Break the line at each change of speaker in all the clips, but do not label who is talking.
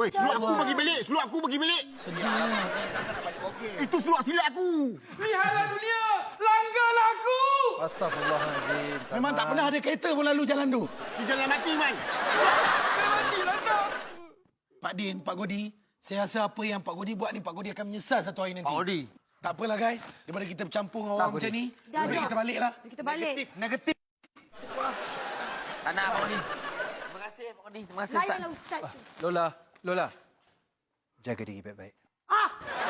Weh, seluar aku bagi balik. Seluar aku bagi balik. Itu seluar silat aku.
Lihatlah dunia, langgarlah aku.
Astagfirullahaladzim.
Memang tak pernah ada kereta pun lalu jalan tu.
Di jalan mati, Man.
Matilah kau.
Pak Din, Pak Godi, saya rasa apa yang Pak Godi buat ni, Pak Godi akan menyesal satu hari nanti.
Pak Odi.
Tak apalah guys, daripada kita bercampur dengan orang
Godi.
macam ni,
Dah,
lebih
dah.
kita baliklah.
Kita balik.
Negatif. Tak nak, Pak Odi. Terima kasih, Pak Odi. Terima kasih, Ustaz.
Layanlah Ustaz tu.
Lola. Jaga diri baik-baik.
Ah!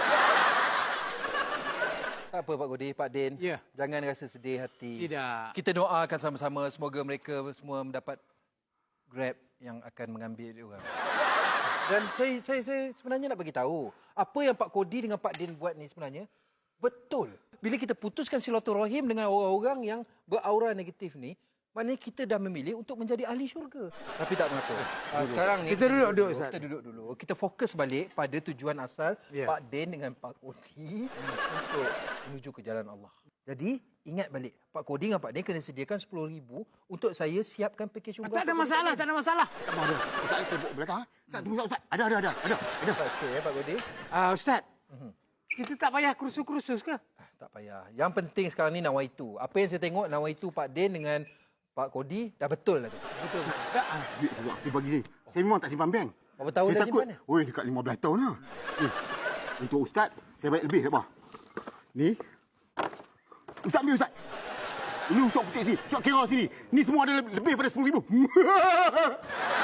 Tak apa, Pak Godi, Pak Din.
Ya.
Jangan rasa sedih hati.
Tidak.
Kita doakan sama-sama semoga mereka semua mendapat Grab yang akan mengambil dia orang. Dan saya sebenarnya nak bagi tahu apa yang Pak Kodi dengan Pak Din buat ni sebenarnya betul. Bila kita putuskan silaturahim dengan orang-orang yang beraura negatif ni, maknanya kita dah memilih untuk menjadi ahli syurga. Tapi tak mengapa. Sekarang ni
Kita duduk, Ustaz.
Kita duduk dulu. Kita fokus balik pada tujuan asal
Ya.
Pak Din dengan Pak Kodi untuk menuju ke jalan Allah. Jadi, ingat balik. Pak Kodi dengan Pak Din kena sediakan 10,000 untuk saya siapkan pakej umrah.
Tak ada masalah, tak ada masalah.
Ada. Ustaz, saya sibuk belakang. Ustaz, tunggu Ustaz. Ada.
Cepat sikit ya, Pak Kodi.
Ustaz, kita tak payah kursus-kursus ke?
Tak payah. Yang penting sekarang ni nawaitu. Apa yang saya tengok nawaitu Pak Din dengan Pak Kodi dah betul lah tu. Betul.
Duit saya bagi ni. Saya memang tak simpan bank.
Berapa tahun
Saya
dah
takut.
simpan ni?
Oi, dekat 15 tahun lah. Ni, untuk Ustaz, saya baik lebih tak apa. Ni. Ustaz ambil Ustaz. Ini usuk putih sini. Usuk kira sini. Ni semua ada lebih pada 10,000.